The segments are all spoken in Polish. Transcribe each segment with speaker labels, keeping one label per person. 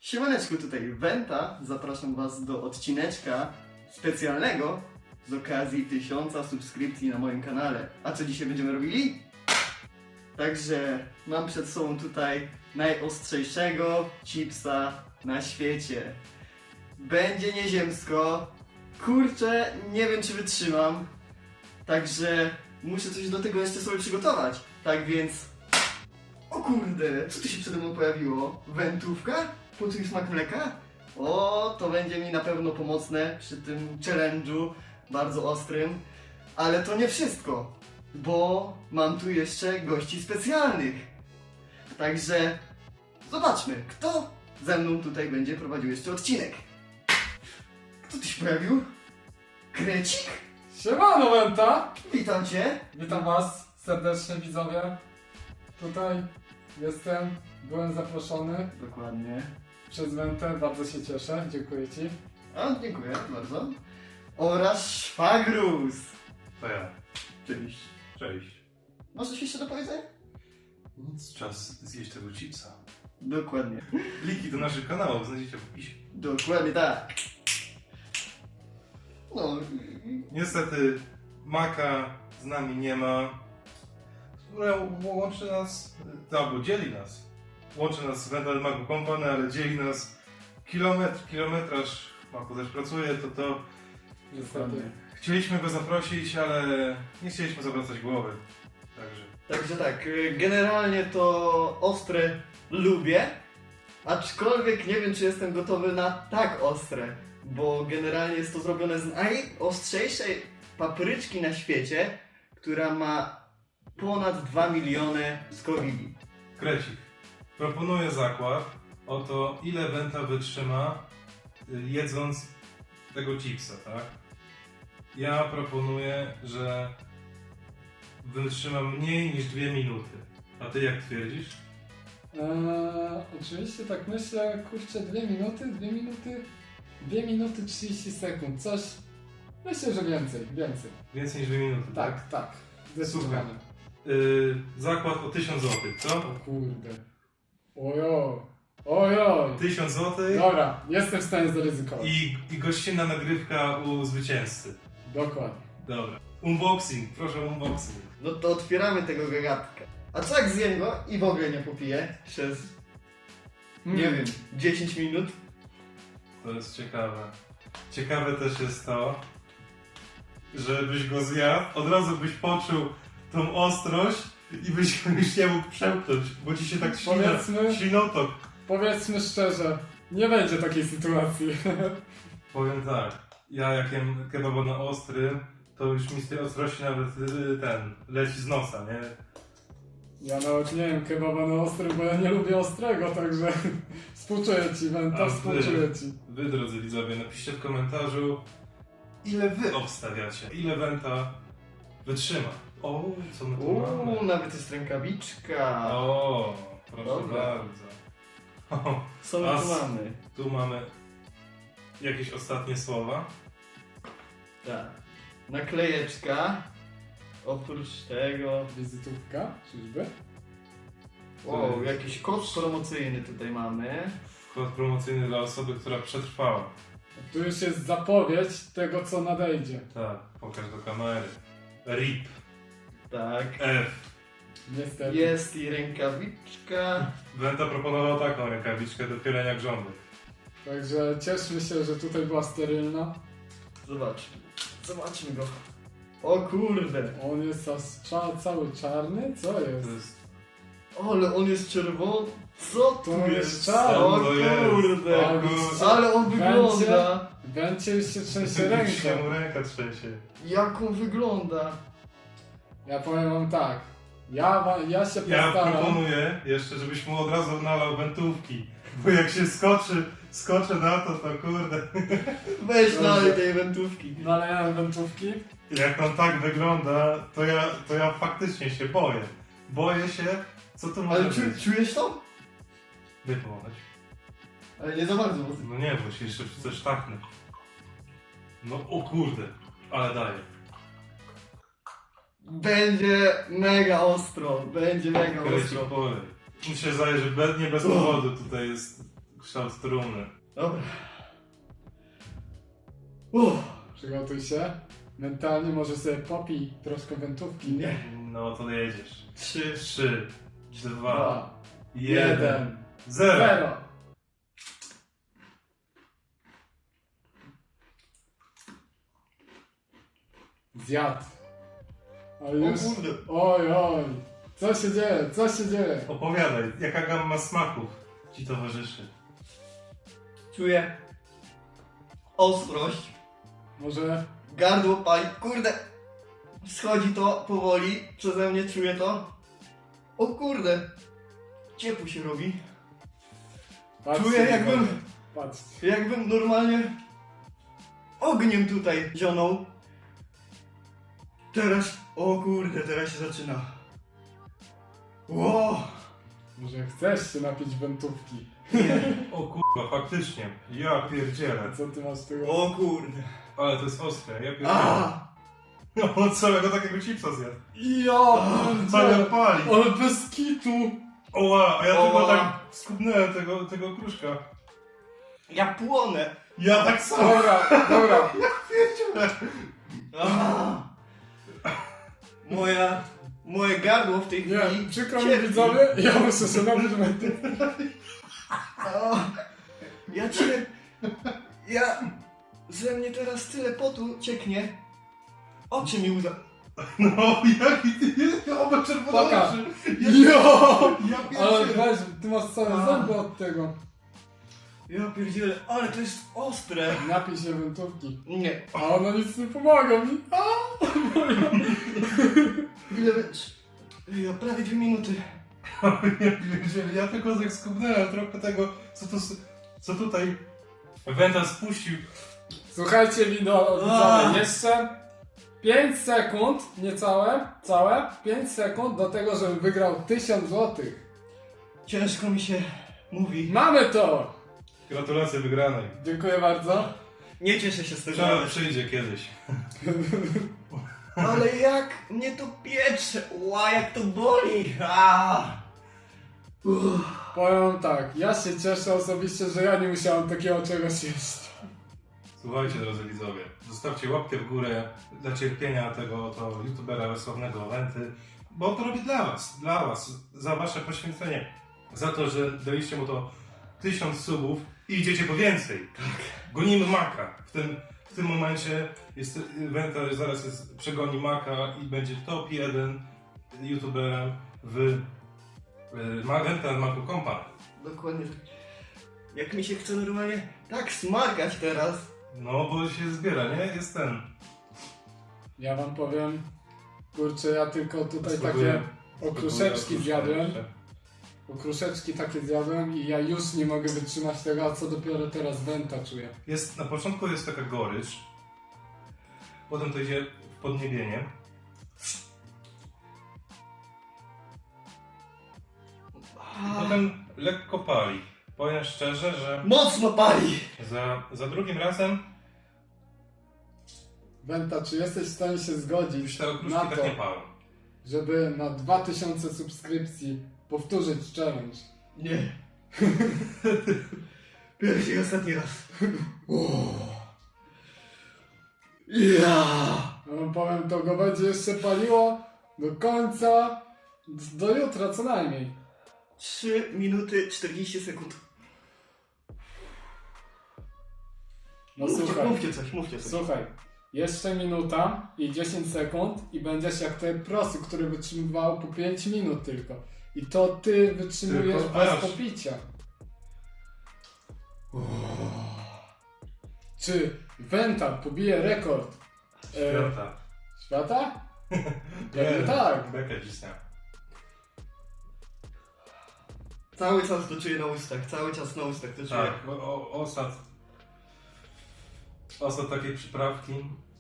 Speaker 1: Siemaneczku, tutaj Wenta. Zapraszam Was do odcineczka specjalnego z okazji 1000 subskrypcji na moim kanale. A co dzisiaj będziemy robili? Także mam przed sobą tutaj najostrzejszego chipsa na świecie. Będzie nieziemsko. Kurczę, nie wiem czy wytrzymam. Także muszę coś do tego jeszcze sobie przygotować. Tak więc... O kurde, co tu się przede mną pojawiło? Wędrówka? Poczuj smak mleka? O, to będzie mi na pewno pomocne przy tym challenge'u bardzo ostrym. Ale to nie wszystko, bo mam tu jeszcze gości specjalnych. Także zobaczmy, kto ze mną tutaj będzie prowadził jeszcze odcinek. Kto tu się pojawił? Krecik?
Speaker 2: Siemano Wenta!
Speaker 1: Witam Cię.
Speaker 2: Witam was serdecznie widzowie. Tutaj jestem, byłem zaproszony
Speaker 1: Dokładnie.
Speaker 2: przez Wentę, bardzo się cieszę, dziękuję ci.
Speaker 1: A, dziękuję bardzo. Oraz Szwagrus.
Speaker 3: To ja.
Speaker 1: Cześć.
Speaker 3: Cześć.
Speaker 1: Masz coś jeszcze do powiedzenia?
Speaker 3: Nic, czas zjeść tego chipsa.
Speaker 1: Dokładnie.
Speaker 3: Linki do naszych kanałów znajdziecie w opisie.
Speaker 1: Dokładnie tak. No,
Speaker 3: Niestety Maka z nami nie ma, która łączy nas, albo dzieli nas. Łączy nas Wendel Maku Company, ale dzieli nas kilometraż. Maku też pracuje, to
Speaker 2: Niestety.
Speaker 3: chcieliśmy go zaprosić, ale nie chcieliśmy zawracać głowy.
Speaker 1: także tak, generalnie to ostre lubię, aczkolwiek nie wiem czy jestem gotowy na tak ostre, bo generalnie jest to zrobione z najostrzejszej papryczki na świecie, która ma ponad 2 miliony skowili.
Speaker 3: Krecik. Proponuję zakład o to, ile Wenta wytrzyma jedząc tego chipsa, tak? Ja proponuję, że wytrzyma mniej niż 2 minuty. A ty jak twierdzisz?
Speaker 2: Oczywiście tak myślę, kurczę, 2 minuty 30 sekund, coś, myślę, że więcej.
Speaker 3: Więcej niż 2 minuty, tak?
Speaker 2: Tak, zdecydowanie.
Speaker 3: Zakład o 1000 zł, co?
Speaker 2: O kurde. Ojoj.
Speaker 3: 1000 zł
Speaker 2: Dobra, jestem w stanie zaryzykować.
Speaker 3: i gościnna nagrywka u zwycięzcy.
Speaker 2: Dokładnie.
Speaker 3: Dobra. Unboxing, proszę unboxing.
Speaker 1: No to otwieramy tego gagatka. A co jak zjem go i w ogóle nie popiję przez, nie wiem, 10 minut?
Speaker 3: To jest ciekawe. Ciekawe też jest to, żebyś go zjadł, od razu byś poczuł tą ostrość i byś go już nie mógł przełknąć, bo ci się tak ślinotok.
Speaker 2: Powiedzmy szczerze, nie będzie takiej sytuacji.
Speaker 3: Powiem tak, ja jak jem kebaba na ostrym, to już mi z tej ostrości nawet leci z nosa, nie?
Speaker 2: Ja nawet nie wiem kebaba na ostrym, bo ja nie lubię ostrego, także współczuję ci, Wenta, współczuję ci.
Speaker 3: Wy, drodzy widzowie, napiszcie w komentarzu, ile wy obstawiacie, ile Wenta wytrzyma. O, co my tu mamy?
Speaker 1: Nawet jest rękawiczka.
Speaker 3: O, proszę
Speaker 1: Dobra.
Speaker 3: bardzo. O,
Speaker 1: Co my
Speaker 3: a
Speaker 1: tu
Speaker 3: s-
Speaker 1: mamy?
Speaker 3: tu mamy jakieś ostatnie słowa.
Speaker 1: Tak. Naklejeczka. Oprócz tego...
Speaker 2: Wizytówka, czyżby?
Speaker 1: Wow, jakiś kod promocyjny tutaj mamy.
Speaker 3: Kod promocyjny dla osoby, która przetrwała.
Speaker 2: Tu już jest zapowiedź tego, co nadejdzie.
Speaker 3: Tak, pokaż do kamery. RIP.
Speaker 1: Tak.
Speaker 3: F.
Speaker 2: Niestety.
Speaker 1: Jest i rękawiczka.
Speaker 3: Wenta proponował taką rękawiczkę do pielenia grządek.
Speaker 2: Także cieszmy się, że tutaj była sterylna.
Speaker 1: Zobaczmy go. O kurde.
Speaker 2: On jest aż cały czarny? Co
Speaker 3: To
Speaker 2: jest?
Speaker 3: jest...
Speaker 1: Ale on jest czerwony. Co tu
Speaker 2: To jest
Speaker 1: jest?
Speaker 2: czarny.
Speaker 1: O
Speaker 3: To jest.
Speaker 1: kurde.
Speaker 3: O kurde.
Speaker 1: Ale on wygląda.
Speaker 2: Będzie już się trzęsie
Speaker 3: Już się
Speaker 2: ręka.
Speaker 3: mu ręka trzęsie.
Speaker 1: Jak on wygląda.
Speaker 2: Ja powiem wam tak. Ja się
Speaker 3: Ja
Speaker 2: postaram.
Speaker 3: proponuję jeszcze, żebyś mu od razu nalał wentówki. Bo jak się skoczy na to kurde.
Speaker 1: Weź
Speaker 2: Dobrze.
Speaker 1: dalej tej wędrówki.
Speaker 2: Nalejałem wędrówki.
Speaker 3: Jak on tak wygląda, to ja faktycznie się boję. Boję się, co to może
Speaker 1: Ale
Speaker 3: być.
Speaker 1: czujesz to?
Speaker 3: Wypłonąć.
Speaker 1: Ale nie za bardzo. Bo...
Speaker 3: No nie, bo się jeszcze coś tachnę. No o kurde, ale daje.
Speaker 1: Będzie mega ostro. Będzie mega
Speaker 3: Kreci
Speaker 1: ostro.
Speaker 3: polej. Mi się zdaje, że nie bez powodu tutaj jest kształt trumny.
Speaker 1: Dobra.
Speaker 2: Przygotuj się. Mentalnie może sobie popij troszkę wentówki.
Speaker 1: Nie.
Speaker 3: No to jedziesz.
Speaker 1: 3,
Speaker 3: 3, 2,
Speaker 2: 2,
Speaker 3: 1,
Speaker 2: 1,
Speaker 3: 0.
Speaker 2: 0. Zjadł. Ale
Speaker 1: O
Speaker 2: już...
Speaker 1: kurde.
Speaker 2: Oj, oj. Co się dzieje? Co się dzieje?
Speaker 3: Opowiadaj, jaka gamma smaków ci towarzyszy?
Speaker 1: Czuję ostrość.
Speaker 2: Może...
Speaker 1: Gardło pali. Kurde. Schodzi to powoli. Przeze mnie czuję to. O kurde. Ciepło się robi.
Speaker 2: Patrzcie,
Speaker 1: Czuję jakbym...
Speaker 2: Patrzcie.
Speaker 1: Jakbym normalnie ogniem tutaj zionął. Teraz, o kurde, teraz się zaczyna. Ło!
Speaker 2: Może chcesz się napić wentówki?
Speaker 3: O kurwa, faktycznie. Ja pierdzielę.
Speaker 2: A co ty masz tego?
Speaker 1: O kurde.
Speaker 3: Ale to jest ostre, ja pierdzielę.
Speaker 1: A!
Speaker 3: No od całego takiego chipsa zjadł.
Speaker 2: Ja
Speaker 3: Ale
Speaker 2: pierdzielę.
Speaker 3: pali.
Speaker 2: Ale bez kitu!
Speaker 3: Oła, a ja
Speaker 1: Oła.
Speaker 3: tylko tak skubnąłem tego kruszka.
Speaker 1: Ja płonę.
Speaker 3: Ja tak samo.
Speaker 2: Dobra, dobra.
Speaker 1: A! Moje gardło w tej chwili...
Speaker 2: Nie, przykro mi
Speaker 1: cierpi.
Speaker 2: widzowie, ja muszę się napić wentówki.
Speaker 1: A, ja cię... Ja... Ze mnie teraz tyle potu cieknie. Oczy mi łza...
Speaker 3: No jaki ty, oba czerwone
Speaker 2: Pokaż.
Speaker 3: oczy.
Speaker 2: Jo!
Speaker 3: Ja
Speaker 2: Ale
Speaker 3: pierdzielę.
Speaker 2: weź, ty masz całe
Speaker 1: A.
Speaker 2: zęby od tego.
Speaker 1: Ja pierdzielę, ale to jest ostre.
Speaker 2: Napij się wentówki.
Speaker 1: Nie.
Speaker 2: A ona nic nie pomaga mi. A!
Speaker 1: Ile wiesz? Ja prawie 2 minuty.
Speaker 3: Ja pierdzielę, ja tylko tak skubnąłem trochę tego, co tutaj Wenta spuścił.
Speaker 2: Słuchajcie widzowie, jeszcze 5 sekund, niecałe, całe 5 sekund do tego, żebym wygrał 1000 złotych.
Speaker 1: Ciężko mi się mówi.
Speaker 2: Mamy to!
Speaker 3: Gratulacje wygranej.
Speaker 2: Dziękuję bardzo.
Speaker 1: Nie cieszę się z tego.
Speaker 3: Trzeba przyjdzie kiedyś.
Speaker 1: Ale jak mnie to piecze. Ła, jak to boli. A!
Speaker 2: Powiem tak, ja się cieszę osobiście, że ja nie musiałem takiego czegoś jeść.
Speaker 3: Słuchajcie drodzy widzowie, zostawcie łapkę w górę dla cierpienia tego oto youtubera sławnego Wenty, bo on to robi dla was, za wasze poświęcenie, za to, że daliście mu to 1000 subów i idziecie po więcej. Gonimy Maka. W tym momencie jest Wenta przegoni Maka i będzie top 1 youtuberem w Wenta Maku Company.
Speaker 1: Dokładnie tak. Jak mi się chce normalnie tak smarkać teraz.
Speaker 3: No bo się zbiera, nie? Jest ten.
Speaker 2: Ja wam powiem, kurczę, ja tylko tutaj
Speaker 3: Spróbuję-
Speaker 2: takie okruszeczki
Speaker 3: spróbuję
Speaker 2: zjadłem.
Speaker 3: jeszcze.
Speaker 2: Okruszeczki takie zjadłem i ja już nie mogę wytrzymać tego, a co dopiero teraz Wenta czuję.
Speaker 3: Na początku jest taka gorycz, potem to idzie w podniebienie. I potem lekko pali. Powiem szczerze, że
Speaker 1: Mocno pali.
Speaker 3: za drugim razem
Speaker 2: Wenta, czy jesteś w stanie się zgodzić
Speaker 3: już te okruszki
Speaker 2: na
Speaker 3: tak
Speaker 2: to,
Speaker 3: nie palą.
Speaker 2: żeby na 2000 subskrypcji powtórzyć challenge?
Speaker 1: Nie. Pierwszy i ostatni raz. Ja.
Speaker 2: Ja wam powiem, to go będzie jeszcze paliło do końca, do jutra co najmniej.
Speaker 1: 3 minuty 40 sekund.
Speaker 2: No słuchaj,
Speaker 1: Mówcie coś.
Speaker 2: słuchaj, jeszcze minuta i 10 sekund i będziesz jak ten prosy, który wytrzymywał po 5 minut tylko. I to ty wytrzymujesz
Speaker 3: Tylko
Speaker 2: bez
Speaker 3: aż.
Speaker 2: popicia. Czy Wenta pobije rekord
Speaker 3: Świata.
Speaker 2: świata? Pewnie tak.
Speaker 3: Bekę cisnę.
Speaker 1: Cały czas to czuję na ustach, cały czas na ustach to czuję.
Speaker 3: Tak, osad takiej przyprawki.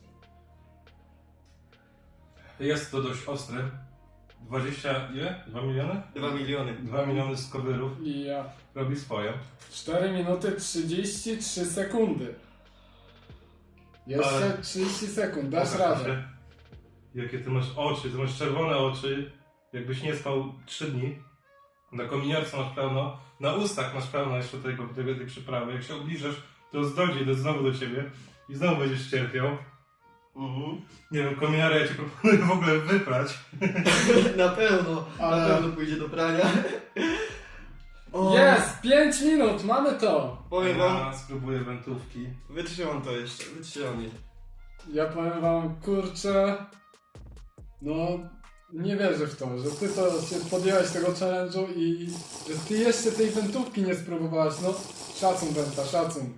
Speaker 3: Jest to dość ostre. 20, ile? 2 miliony?
Speaker 1: 2 miliony.
Speaker 3: 2 miliony skowyrów
Speaker 2: I ja.
Speaker 3: robi swoje.
Speaker 2: 4 minuty 33 sekundy. Jeszcze
Speaker 3: Ale-
Speaker 2: 30 sekund, dasz
Speaker 3: Pokaż
Speaker 2: radę.
Speaker 3: się. Jakie ty masz oczy, ty masz czerwone oczy, jakbyś nie spał 3 dni. Na kominiarce masz pełno, na ustach masz pełno jeszcze tej przyprawy. Jak się ubliżasz, to dojdzie znowu do ciebie i znowu będziesz cierpiał. Nie wiem, kominiarę ja ci proponuję w ogóle wyprać.
Speaker 1: Na pewno,
Speaker 2: Ale-
Speaker 1: na pewno pójdzie do prania. O,
Speaker 2: Jest! 5 minut, mamy to!
Speaker 1: Powiem wam,
Speaker 3: Ja spróbuję wentówki.
Speaker 1: wytrzymam to jeszcze, wytrzymam je.
Speaker 2: Ja powiem wam, kurczę, no nie wierzę w to, że ty to się podjęłeś tego challenge'u i że ty jeszcze tej wentówki nie spróbowałaś, no szacun Wenta, szacun.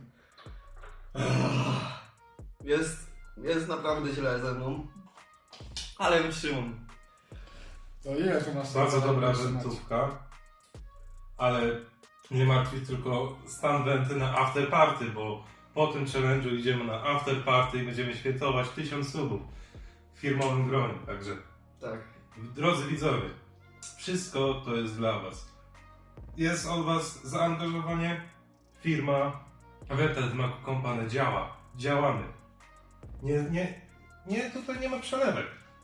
Speaker 1: Jest naprawdę źle ze mną. Ale wytrzymam.
Speaker 2: To ile ty masz?
Speaker 3: Bardzo
Speaker 2: na
Speaker 3: dobra
Speaker 2: wytrzymać?
Speaker 3: wentówka. Ale nie martwi tylko stan wenty na after party, bo po tym challenge'u idziemy na after party i będziemy świętować 1000 subów w firmowym gronie. Także
Speaker 1: Tak.
Speaker 3: drodzy widzowie, wszystko to jest dla was. Jest od was zaangażowanie, firma, Wenta Maku Company działa. Działamy. Nie, tutaj nie ma przelewek.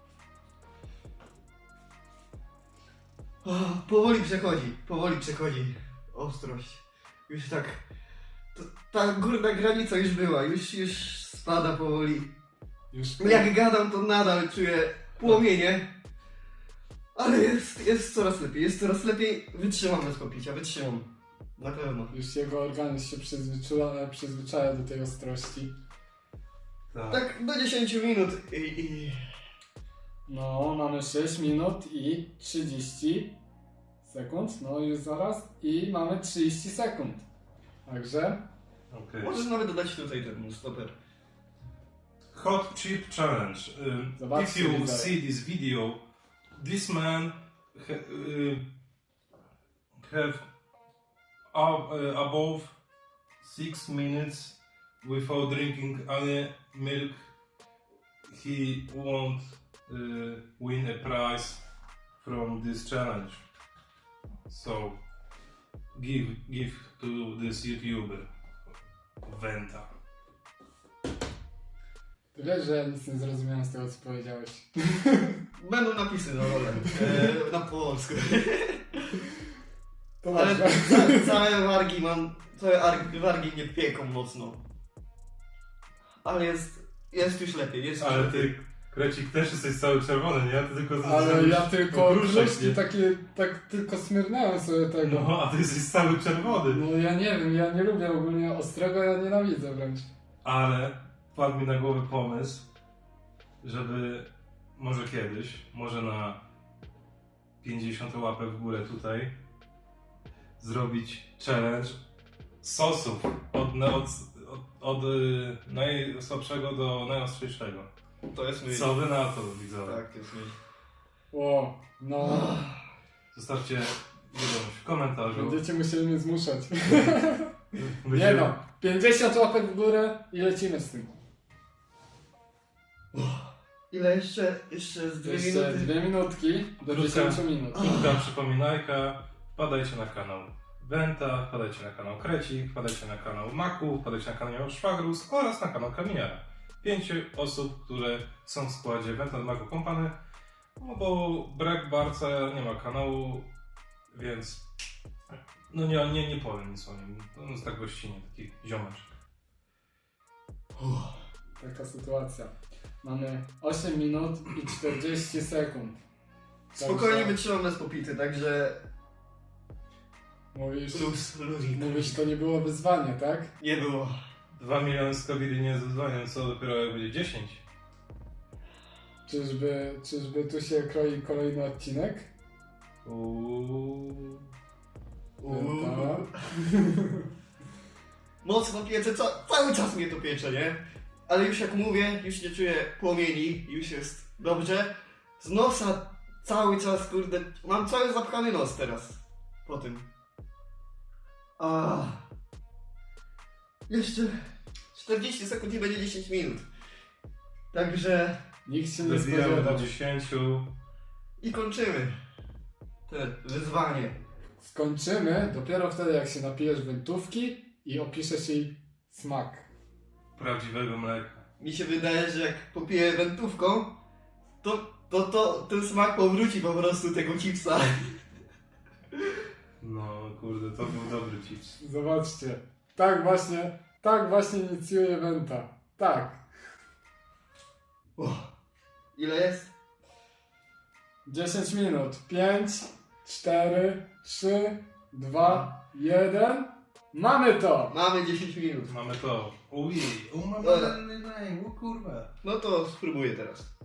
Speaker 1: O, powoli przechodzi ostrość. Już tak, ta górna granica już była, już spada powoli.
Speaker 2: Już
Speaker 1: Jak gadam, to nadal czuję płomienie. Ale jest coraz lepiej. Wytrzymam bez popicia, wytrzymam. Na pewno.
Speaker 2: Już jego organizm się przyzwyczaja do tej ostrości.
Speaker 1: Tak do 10 minut i...
Speaker 2: No, mamy 6 minut i 30 sekund, no już zaraz i mamy 30 sekund. Także
Speaker 3: Okay.
Speaker 1: Możesz nawet dodać tutaj ten stoper.
Speaker 3: Hot Chip Challenge.
Speaker 2: Zobaczcie,
Speaker 3: If you
Speaker 2: widzowie.
Speaker 3: see this video, this man have above 6 minutes without drinking any milk. He won't win a prize from this challenge. So give to this YouTuber Wenta.
Speaker 2: ty wiesz, że ja nic nie zrozumiałem z tego, co powiedziałeś.
Speaker 1: Będą napisy na dole. Na polsku.
Speaker 2: To
Speaker 1: Ale
Speaker 2: masz.
Speaker 1: całe wargi mnie pieką mocno. Ale jest już lepiej, jest już
Speaker 3: Ale
Speaker 1: lepiej.
Speaker 3: ty, Krecik, też jesteś cały czerwony, nie? Ty tylko
Speaker 2: Ale ja tylko
Speaker 3: okruszek,
Speaker 2: kruszki
Speaker 3: nie?
Speaker 2: takie, tak tylko smyrnąłem sobie tego.
Speaker 3: No, a ty jesteś cały czerwony.
Speaker 2: No ja nie wiem, ja nie lubię ogólnie ostrego, ja nienawidzę wręcz.
Speaker 3: Ale wpadł mi na głowę pomysł, żeby może kiedyś, może na 50 łapek w górę tutaj, zrobić challenge sosów od najsłabszego do najostrzejszego.
Speaker 1: To jest myśl.
Speaker 3: Co wy na to, widzowie?
Speaker 1: Tak, to jest myśl.
Speaker 2: O, no,
Speaker 3: Zostawcie wiadomość w komentarzu.
Speaker 2: będziecie musieli mnie zmuszać. Nie
Speaker 3: Będziemy-
Speaker 2: no, 50 łapek w górę i lecimy z tym.
Speaker 1: Ile jeszcze? Jeszcze z 2
Speaker 2: Jeszcze
Speaker 1: minuty.
Speaker 2: 2 minutki do
Speaker 3: Krótka.
Speaker 2: 10 minut.
Speaker 3: Krótka przypominajka, wpadajcie na kanał Wenta, wpadajcie na kanał Krecik, wpadajcie na kanał Maku, wpadajcie na kanał Szwagrus oraz na kanał Kaminiara. 5 osób, które są w składzie Wenta Maku Company, no bo brak Barca nie ma kanału, więc no nie powiem nic o nim. On jest tak gościnnie, taki ziomeczek.
Speaker 2: Taka sytuacja. Mamy 8 minut i 40 sekund.
Speaker 1: Spokojnie
Speaker 2: Także
Speaker 1: wytrzymam bez popity, także
Speaker 2: Mówisz,
Speaker 1: luzik.
Speaker 2: mówisz, to nie było wyzwanie, tak?
Speaker 1: Nie było.
Speaker 3: 2 miliony skobili nie zadzwonią, co dopiero jak będzie 10.
Speaker 2: Czyżby tu się kroi kolejny odcinek?
Speaker 3: Uuu.
Speaker 2: Wenta.
Speaker 1: Mocno piece, cały czas mnie to piecze, nie? Ale już jak mówię, już nie czuję płomieni, już jest dobrze. Z nosa cały czas, kurde, mam cały zapchany nos teraz. Po tym. Jeszcze 40 sekund i będzie 10 minut. Także
Speaker 2: Nikt się nie
Speaker 3: Zabijamy do
Speaker 2: spodziewał.
Speaker 3: 10.
Speaker 1: i kończymy te wyzwanie.
Speaker 2: Skończymy dopiero wtedy, jak się napijesz wentówki i opiszesz jej smak.
Speaker 3: Prawdziwego mleka.
Speaker 1: Mi się wydaje, że jak popiję wentówką, to ten smak powróci po prostu tego chipsa.
Speaker 3: No kurde, to był dobry chips.
Speaker 2: Zobaczcie. Tak właśnie inicjuje Wenta. Tak.
Speaker 1: Ile jest?
Speaker 2: 10 minut. 5, 4, 3, 2, 1. Mamy to!
Speaker 1: Mamy 10 minut.
Speaker 3: Mamy to. Ujej, mamy
Speaker 1: Dobra.
Speaker 3: o kurwa.
Speaker 1: No to spróbuję teraz.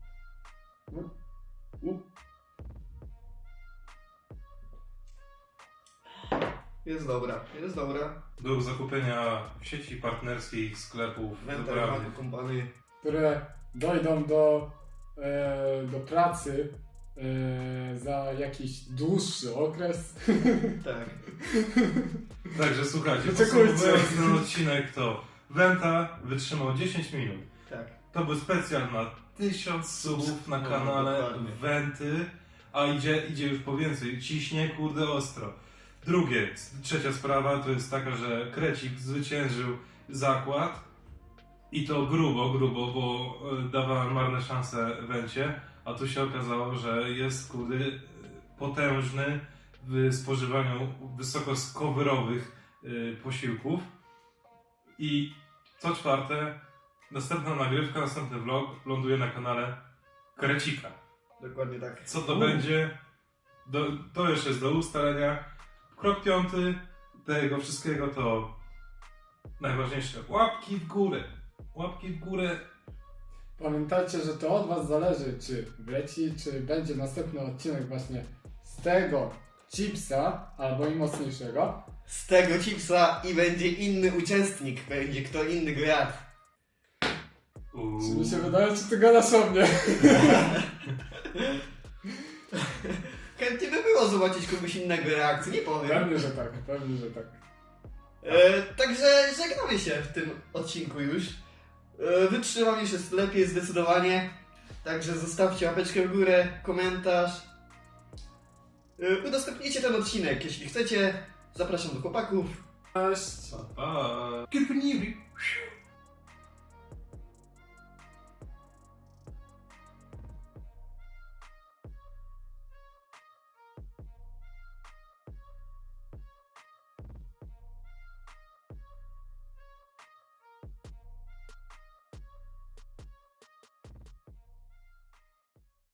Speaker 1: Jest dobra, jest dobra.
Speaker 3: Do zakupienia w sieci partnerskich sklepów
Speaker 1: Wenta
Speaker 3: wybranych.
Speaker 1: kompany.
Speaker 2: Które dojdą do pracy za jakiś dłuższy okres.
Speaker 1: Tak.
Speaker 3: Także słuchajcie,
Speaker 2: Wyczekujcie.
Speaker 3: podsumowując ten odcinek to Wenta wytrzymał 10 minut.
Speaker 1: Tak.
Speaker 3: To był specjal na 1000 subów na
Speaker 1: No,
Speaker 3: kanale
Speaker 1: dokładnie.
Speaker 3: Wenty, a idzie już po więcej, ciśnie kurde ostro. Trzecia sprawa to jest taka, że Krecik zwyciężył zakład i to grubo, bo dawałem marne szanse Wencie, a tu się okazało, że jest kurde potężny w spożywaniu wysokoskowrowych posiłków. I co czwarte, następna nagrywka, następny vlog ląduje na kanale Krecika.
Speaker 1: Dokładnie tak.
Speaker 3: Co to będzie? To jeszcze jest do ustalenia. Krok 5 tego wszystkiego to najważniejsze. Łapki w górę. Łapki w górę.
Speaker 2: Pamiętajcie, że to od was zależy, czy wleci, czy będzie następny odcinek właśnie z tego chipsa, albo i mocniejszego.
Speaker 1: Z tego chipsa i będzie inny uczestnik, będzie kto inny go jadł.
Speaker 2: Czy mi się wydaje, czy ty gadasz o mnie?
Speaker 1: Chętnie by było zobaczyć kogoś innego reakcji, nie powiem.
Speaker 2: Pewnie, że tak, pewnie, że tak.
Speaker 1: Także żegnamy się w tym odcinku już. Wytrzymam już jest lepiej zdecydowanie. Także zostawcie łapeczkę w górę, komentarz. Udostępnijcie ten odcinek, jeśli chcecie. Zapraszam do chłopaków.
Speaker 2: Cześć!
Speaker 3: Pa. Kierpniwi.